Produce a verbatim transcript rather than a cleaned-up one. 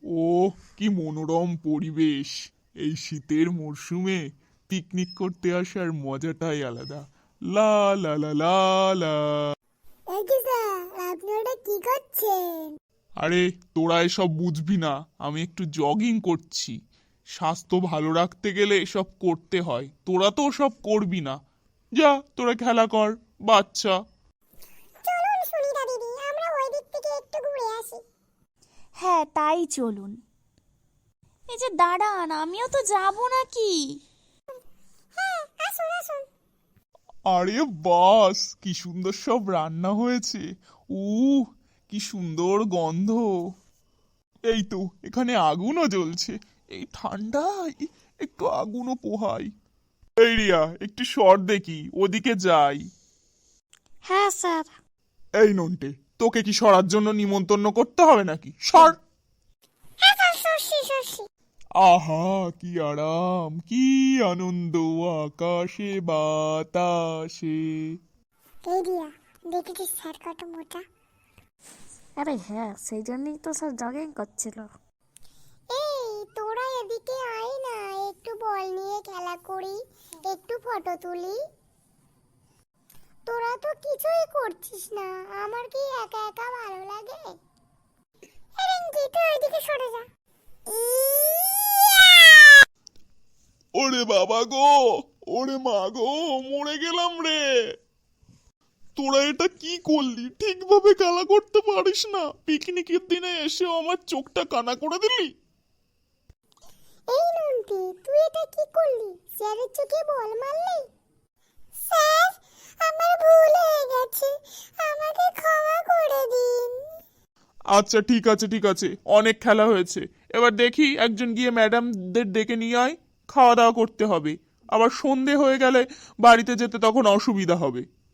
ও, কি মনোরম পরিবেশ! এই শীতের মরশুমে পিকনিক করতে আসার মজাটাই আলাদা। লা লা লা লা লা। এই যে স্যার, আপনি ওটা কি করছেন? আরে, তোরা এসব বুঝবি না, আমি একটু জগিং করছি। স্বাস্থ্য ভালো রাখতে গেলে এসব করতে হয়, তোরা তো সব করবি না। যা, তোরা খেলা কর, বাচ্চা। চলুন সুনিতা দিদি, আমরা ওই দিক থেকে একটু ঘুরে আসি। হ্যাঁ, তাই চলুন। এই যে দাঁড়ান, আমিও তো যাব নাকি? হ্যাঁ, আসুন আসুন। আরে বাস, কি সুন্দর সব রান্না হয়েছে! উহ, কি সুন্দর গন্ধ! এই তো, এখানে আগুনও জ্বলছে। এই ঠান্ডায় একটু আগুনও পোহাই। এই রিয়া, একটু সর দেখি, ওদিকে যাই। হ্যাঁ স্যার। এই নন্টে, তোকে কি সরার জন্য নিমন্ত্রণ করতে হবে নাকি? সর। হ্যাঁ স্যার, সরছি সরছি। আহা, কি আরাম, কি আনন্দ আকাশে বাতাসে। এই দিয়া, দেখেছিস স্যার কত মোটা? আরে হ্যাঁ, সেই জন্যই তো স্যার জগিং করছিল। এই তোরা এদিকে আয় না, একটু বল নিয়ে খেলা করি, একটু ফটো তুলি। তোরা তো কিছুই করছিস না, আমার কি একা একা ভালো লাগে? রিঙ্কি, তুই ওইদিকে সরে যা। ওরে বাবা গো, ওরে মা গো, মরে গেলাম রে। তোরা এটা কি করলি? ঠিকভাবে খেলা করতে পারিস না? পিকনিকের দিনে এসেও আমার চোখটা কানা করে দিলি। এই নন্টি, তুই এটা কি করলি? স্যারের চোখে বল মারলি? স্যার, আমার ভুল হয়ে গেছে, আমাকে ক্ষমা করে দিন। আচ্ছা, ঠিক আছে ঠিক আছে, অনেক খেলা হয়েছে। এবার দেখি একজন গিয়ে ম্যাডামদের ডেকে নিয়ে আয়, খাওয়া দাওয়া করতে হবে। আবার সন্ধে হয়ে গেলে বাড়িতে যেতে তখন অসুবিধা হবে।